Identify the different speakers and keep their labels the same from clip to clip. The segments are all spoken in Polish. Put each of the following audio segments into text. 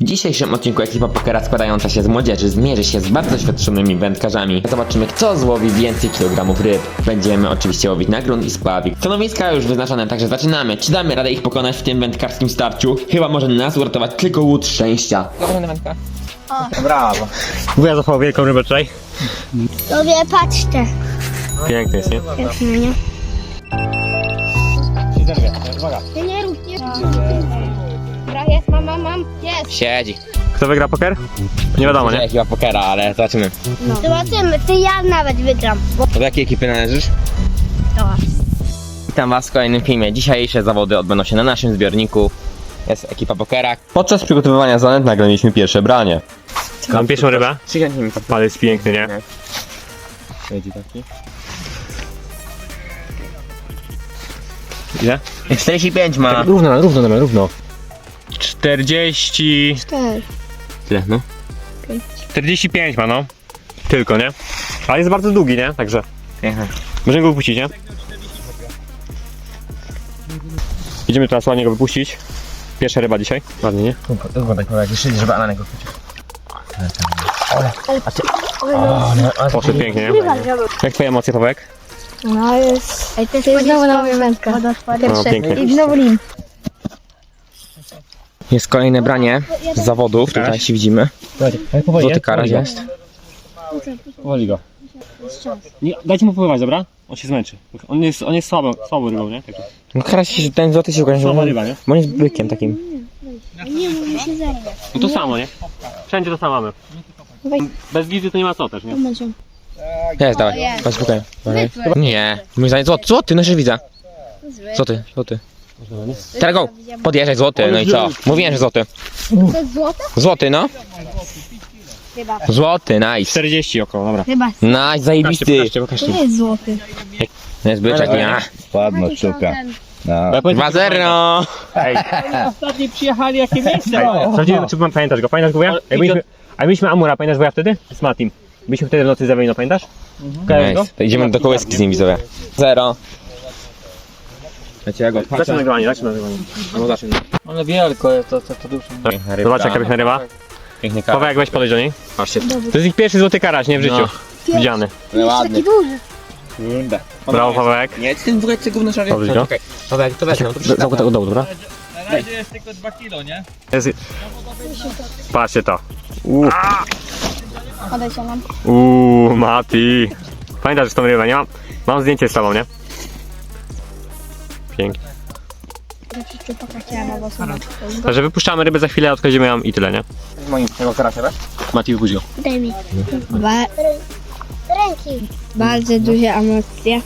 Speaker 1: W dzisiejszym odcinku ekipa pokera składająca się z młodzieży zmierzy się z bardzo doświadczonymi wędkarzami. Zobaczymy, kto złowi więcej kilogramów ryb. Będziemy oczywiście łowić na grunt i spławik. Stanowiska już wyznaczone, także zaczynamy. Czy damy radę ich pokonać w tym wędkarskim starciu? Chyba może nas uratować tylko łódź szczęścia.
Speaker 2: Dobra wędka.
Speaker 3: Brawo. Wuja złapał wielką rybę tutaj.
Speaker 4: Tobie patrzcie.
Speaker 3: Piękny jest, nie?
Speaker 4: Pięknie, nie?
Speaker 3: Się zerwie, uwaga.
Speaker 4: Nie rób, nie rób. Dobra, jest, mam. Jest.
Speaker 1: Siedzi.
Speaker 3: Kto wygra poker? Nie wiadomo, nie?
Speaker 1: Ekipa pokera, ale zobaczymy.
Speaker 4: No. Zobaczymy, ty ja nawet wygram.
Speaker 1: Do jakiej ekipy należysz?
Speaker 4: Dobra.
Speaker 1: Witam was w kolejnym filmie. Dzisiejsze zawody odbędą się na naszym zbiorniku. Jest ekipa pokera.
Speaker 5: Podczas przygotowywania zanęt nagraliśmy pierwsze branie.
Speaker 3: Mam pierwszą rybę.
Speaker 1: Przyjęcie mi to.
Speaker 3: Ale jest piękny, nie?
Speaker 1: Siedzi taki.
Speaker 3: Ile?
Speaker 1: 45 ma.
Speaker 3: Równo. 40...
Speaker 1: Tyle, no.
Speaker 3: 45 ma, no. Tylko, nie? Ale jest bardzo długi, nie? Także możemy go wypuścić, nie? Idziemy teraz ładnie go wypuścić. Pierwsza ryba dzisiaj. Ładnie, nie?
Speaker 1: Wyglądaj, jak jeszcze żeby Alanek go chwycił.
Speaker 3: Poszedł pięknie, nie? Jak twoje emocje, Pawełek?
Speaker 4: No jest. Ej, to jest znowu na moją wędkę.
Speaker 3: No, pięknie.
Speaker 4: I znowu lim.
Speaker 1: Jest kolejne branie z zawodów, tutaj się widzimy. Złoty karaś jest.
Speaker 3: Powoli go. Nie, dajcie mu popływać, dobra? On się zmęczy. On jest słabą rybą, nie? Także.
Speaker 1: No karaś, ten złoty się ukaże,
Speaker 3: Słaba ryba, nie?
Speaker 1: bo on jest bykiem takim.
Speaker 4: Nie, mówi się zerwie.
Speaker 3: No to samo, nie? Wszędzie to samo mamy. Bez wizy to nie ma co też, nie?
Speaker 1: Jest, dawaj, chodź spokojnie. Nie, mój zdaniem złoty, no jeszcze widzę. Złoty. Teraz go, podjeżdżaj złoty, no i co? Mówiłem, że złoty.
Speaker 4: To jest złote?
Speaker 1: Złoty, no.
Speaker 4: Chyba.
Speaker 1: Złoty, nice.
Speaker 3: 40 około, dobra.
Speaker 4: Chyba.
Speaker 1: Nice, zajebisty.
Speaker 4: To nie jest złoty.
Speaker 1: Jest byczek, nie?
Speaker 6: Ładno, szczuka. No.
Speaker 1: 2-0.
Speaker 3: Ej,
Speaker 2: Ostatni przyjechali, jakie miejsce?
Speaker 3: sprawdzimy, czy pamiętasz go? Pamiętasz go, Wuja? A mieliśmy Amura, pamiętasz Wuja wtedy? Z Matim. Byliśmy wtedy w nocy za no pamiętasz? Kojarzysz go?
Speaker 1: Nice. To idziemy do kołyski z nim, widzowie. 0. Wiecie, jak
Speaker 3: Zacznę nagrywanie.
Speaker 1: No zacznę.
Speaker 2: Ale wielko jest to duże.
Speaker 3: Zobacz jaka piękna ryba.
Speaker 1: Piękny karaś.
Speaker 3: Pawełek, weź podejść do niej.
Speaker 1: Patrzcie.
Speaker 3: To jest ich pierwszy złoty karaś, nie? W życiu. Widziany.
Speaker 1: Ładny.
Speaker 4: duży.
Speaker 3: Brawo, Pawełek.
Speaker 1: Nie, ty w ogóle ty gówno szarpie.
Speaker 3: Dobrze, go.
Speaker 1: To wezmę.
Speaker 3: Do dołu, dobra?
Speaker 2: Na razie jest tylko 2 kilo, nie?
Speaker 3: Patrzcie to.
Speaker 4: Odejdź nam.
Speaker 3: Mati. Pamiętasz tą rybę, nie? Mam zdjęcie z tobą, nie? Pięknie. Także wypuszczamy rybę za chwilę, odchodzimy ją i tyle, nie?
Speaker 1: Moim tego karasia, tak?
Speaker 3: Mati, wypuść go.
Speaker 4: Daj mi. Ręki. Bardzo duże emocje.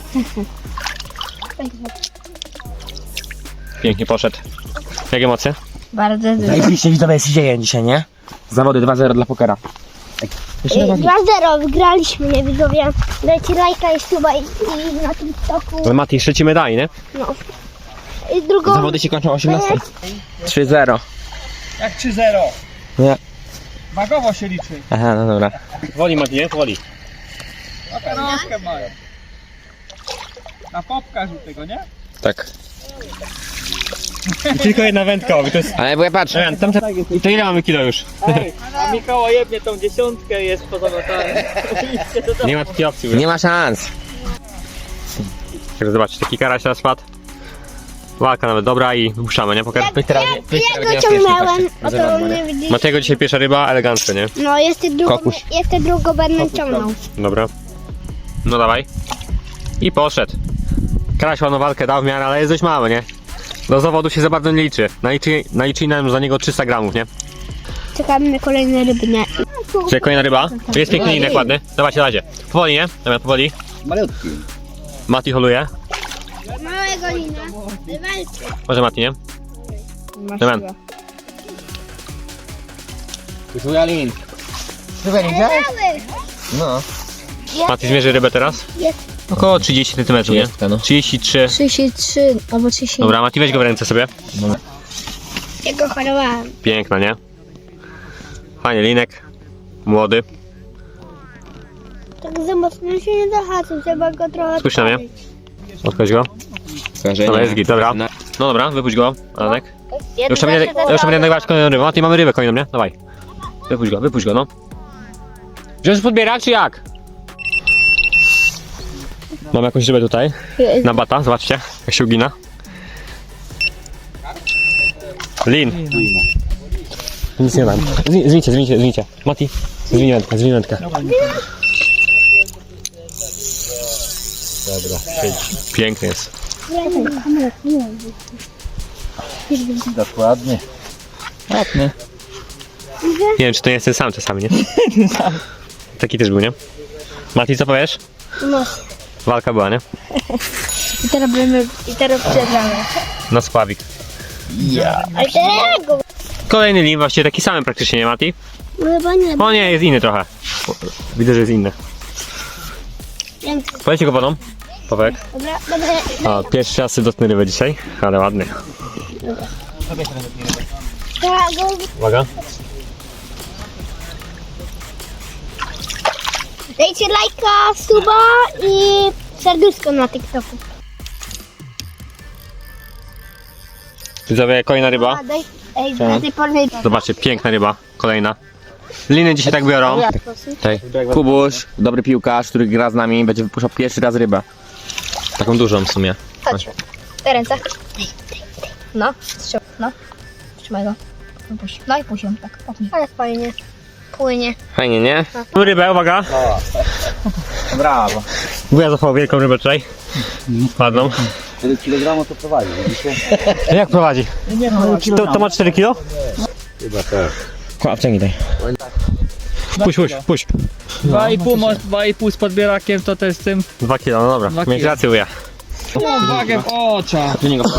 Speaker 3: Pięknie poszedł. Jakie emocje?
Speaker 4: Bardzo duże.
Speaker 1: Zajebiście widzowie się dzieje dzisiaj, nie? Zawody 2-0 dla pokera.
Speaker 4: 2-0 wygraliśmy, nie widzowie. Dajcie lajka i suba i na TikToku.
Speaker 3: Ale Mati, jeszcze ci medali, nie?
Speaker 4: No. I drugą...
Speaker 1: Zawody się kończą o 18. 3-0.
Speaker 2: Jak 3-0.
Speaker 1: Nie.
Speaker 2: Wagowo się liczy.
Speaker 1: Aha, no dobra.
Speaker 3: Woli, Mati, nie? Woli.
Speaker 2: Troszkę mają. Na popka żółtego, nie?
Speaker 1: Tak.
Speaker 3: I tylko jedna wędka, to jest...
Speaker 1: Ale bo ja patrzę.
Speaker 3: To ile mamy kilo już?
Speaker 2: A Mikołaj jebnie tą 10 jest poza notarem.
Speaker 3: Nie ma takiej opcji.
Speaker 1: Nie ma szans.
Speaker 3: Także zobaczcie, taki karaś teraz spadł. Walka nawet dobra i wypuszczamy, nie? Poker.
Speaker 4: Ja go ciągnąłem, a to nie widzisz.
Speaker 3: Matego dzisiaj pierwsza ryba, elegancko, nie?
Speaker 4: No,
Speaker 1: Kokuś.
Speaker 4: jeszcze drugą będę ciągnął.
Speaker 3: Dobra. No dawaj. I poszedł. Karaś ładną walkę dał w miarę, ale jest dość mały, nie? Do zawodu się za bardzo nie liczy. Naliczyli nam za niego 300 gramów, nie?
Speaker 4: Czekamy na kolejne ryby, nie?
Speaker 3: Czyli kolejna ryba. Tu jest piękny linek ładny. Dawajcie. Powoli, nie? Dobra, powoli.
Speaker 6: Malutki.
Speaker 3: Mati holuje.
Speaker 4: Małego lina.
Speaker 3: Może Mati, nie? Dobra.
Speaker 1: Jalin. No.
Speaker 3: Mati zmierzy rybę teraz.
Speaker 4: Jest.
Speaker 3: Około 30 cm, nie?
Speaker 1: 30, no.
Speaker 3: 33.
Speaker 4: 33 albo 30.
Speaker 3: Dobra, Mati, weź go w ręce sobie.
Speaker 4: Ja go chorowałem.
Speaker 3: Piękna, nie? Fajnie, linek. Młody.
Speaker 4: Tak za mocno się nie zahaczył, trzeba go trochę...
Speaker 3: Spójrz na mnie. Odchodź go. Dobra, jest git, dobra. No dobra, wypuść go, Alanek. Już tam będę nagrywać kolejną rybę. A ty mamy rybę kolejną, nie? Dawaj. Wypuść go, no. Wziąć podbiera, czy jak? Mam jakąś rybę tutaj. Na bata, zobaczcie, jak się ugina. Lin. Nic nie dam. Zwincie. Mati, zwinij wędkę. Dobra, siedź. Piękny jest.
Speaker 6: Dokładnie. Ładny.
Speaker 3: Nie wiem, czy to nie jest ten sam czasami, nie? Taki też był, nie? Mati, co powiesz?
Speaker 4: No.
Speaker 3: Walka była, nie?
Speaker 4: I teraz przegramy.
Speaker 3: Na spławik.
Speaker 4: Ale teraz go.
Speaker 3: Kolejny lin, właściwie taki sam praktycznie, nie Mati?
Speaker 4: No chyba nie.
Speaker 3: O nie, jest inny trochę. Widzę, że jest inny. Powiedzcie go wodą. Powek.
Speaker 4: Dobra.
Speaker 3: A, pierwszy raz dotknę rybę dzisiaj, ale ładny. Uwaga.
Speaker 4: Dajcie lajka, suba i serduszko na TikToku.
Speaker 3: Widzowie, kolejna ryba.
Speaker 4: Do tej pory.
Speaker 3: Zobaczcie, piękna ryba. Kolejna. Liny dzisiaj tak biorą.
Speaker 1: Kubuś, dobry piłkarz, który gra z nami, będzie wypuszczał pierwszy raz rybę. Taką dużą w sumie.
Speaker 4: Chodź. Te ręce. No, strzał. No. Trzymaj go. Puść. No i puść ją tak. Ale fajnie. Płynie.
Speaker 1: Fajnie, nie?
Speaker 3: Mamy rybę, uwaga.
Speaker 6: Brawo.
Speaker 3: Wuja złapał wielką rybę tutaj. Ładną.
Speaker 6: 4 kg to prowadzi, widzicie?
Speaker 3: Jak prowadzi? To ma 4 kilo?
Speaker 6: Chyba tak.
Speaker 1: Wciągnij daj.
Speaker 3: Puść.
Speaker 2: 2,5 z podbierakiem to też z tym.
Speaker 3: 2 kilo, no dobra. Mieć rację, wuja.
Speaker 2: Wagę w oczach.
Speaker 1: Do niego.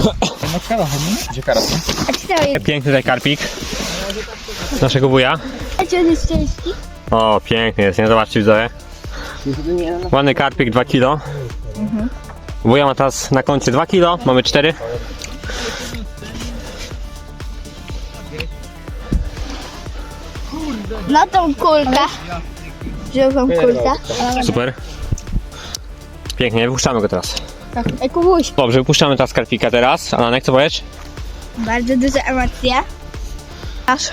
Speaker 4: A czy to jest?
Speaker 3: Piękny tutaj karpik. Naszego wuja.
Speaker 4: A czy on jest ciężki?
Speaker 3: O, piękny jest, nie? Zobaczcie, widzowie. Ładny karpik, 2 kilo. Wuja ma teraz na koncie 2 kilo, mamy 4.
Speaker 4: No tą kulkę. Żółtą kulkę.
Speaker 3: Super. Pięknie, wypuszczamy go teraz.
Speaker 4: Ej, Kubuś.
Speaker 3: Dobrze, wypuszczamy teraz karpika teraz. Alanek, co powiesz?
Speaker 4: Bardzo duże emocje. Aż.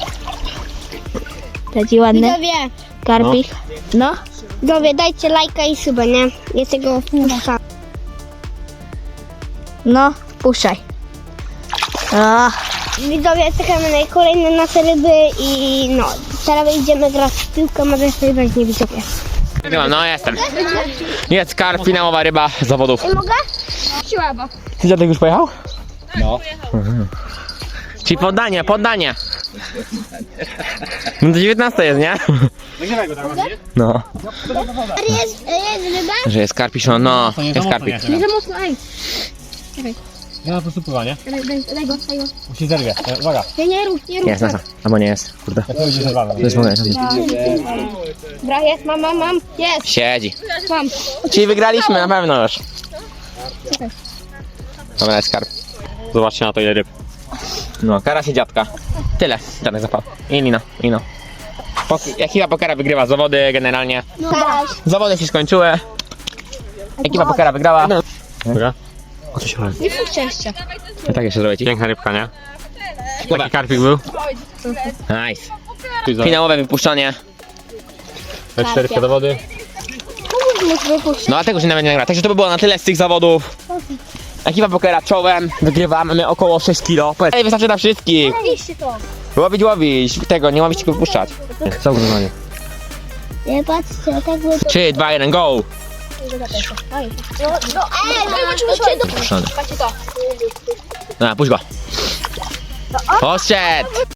Speaker 4: Taki ładny. Karpik. No. Widzowie, dajcie lajka i suba, nie? Ja tego wpuszczam. No, wpuszczaj. O. Widzowie, czekamy na kolejne nasze ryby i no, teraz idziemy grać w piłkę, może sobie weźmie widzowie.
Speaker 1: No jestem. Jest karp, finałowa ryba z zawodów.
Speaker 4: Mogę? Siłaba.
Speaker 1: Ty dziadek już pojechał?
Speaker 6: No.
Speaker 1: Czyli poddanie. No do 19 jest, nie? No.
Speaker 4: Jest ryba?
Speaker 1: Że jest karpiszon, no. Jest karpik.
Speaker 4: Nie za mocno, ej.
Speaker 3: Ja po prostu pływa, nie?
Speaker 4: Daj go.
Speaker 3: Musi zerwie. Uwaga.
Speaker 4: Nie rób.
Speaker 1: Jest, nasa. Albo nie jest, kurde.
Speaker 3: Jak to będzie zerwane.
Speaker 1: To jest mogę.
Speaker 4: Dobra, jest, mam. Jest,
Speaker 1: Siedzi.
Speaker 4: mam.
Speaker 1: Czyli wygraliśmy na pewno już. Dobra, jest karp.
Speaker 3: Zobaczcie na to, ile ryb.
Speaker 1: No, kara się dziadka. Tyle, dziadek zapał. I lino. Ekipa pokera wygrywa zawody generalnie.
Speaker 4: No daj.
Speaker 1: Zawody się skończyły. Ekipa pokera wygrała.
Speaker 3: Uwaga. O co się chodzi?
Speaker 4: Nie są szczęścia.
Speaker 1: No tak jeszcze zrobię ci.
Speaker 3: Piękna rybka, nie? Taki karpik był.
Speaker 1: Nice. Finałowe wypuszczenie.
Speaker 3: E4 do wody.
Speaker 4: Komuś muszę wypuścić.
Speaker 1: No a tego się nawet nie nagra. Także to by było na tyle z tych zawodów. Ekipa pokera czołem. Wygrywamy my około 6 kilo. Ej, wystarczy na wszystkich.
Speaker 4: Łowiście to.
Speaker 1: Łowić. Tego, nie łowić, tylko wypuszczać.
Speaker 3: Co ugrywanie?
Speaker 4: Nie patrzcie, tak było.
Speaker 1: 3, 2, 1, go.
Speaker 4: Wypuszczcie to.
Speaker 1: Wypuszczony.
Speaker 4: Patrzcie to.
Speaker 1: Dobra, puść go. Poszedł.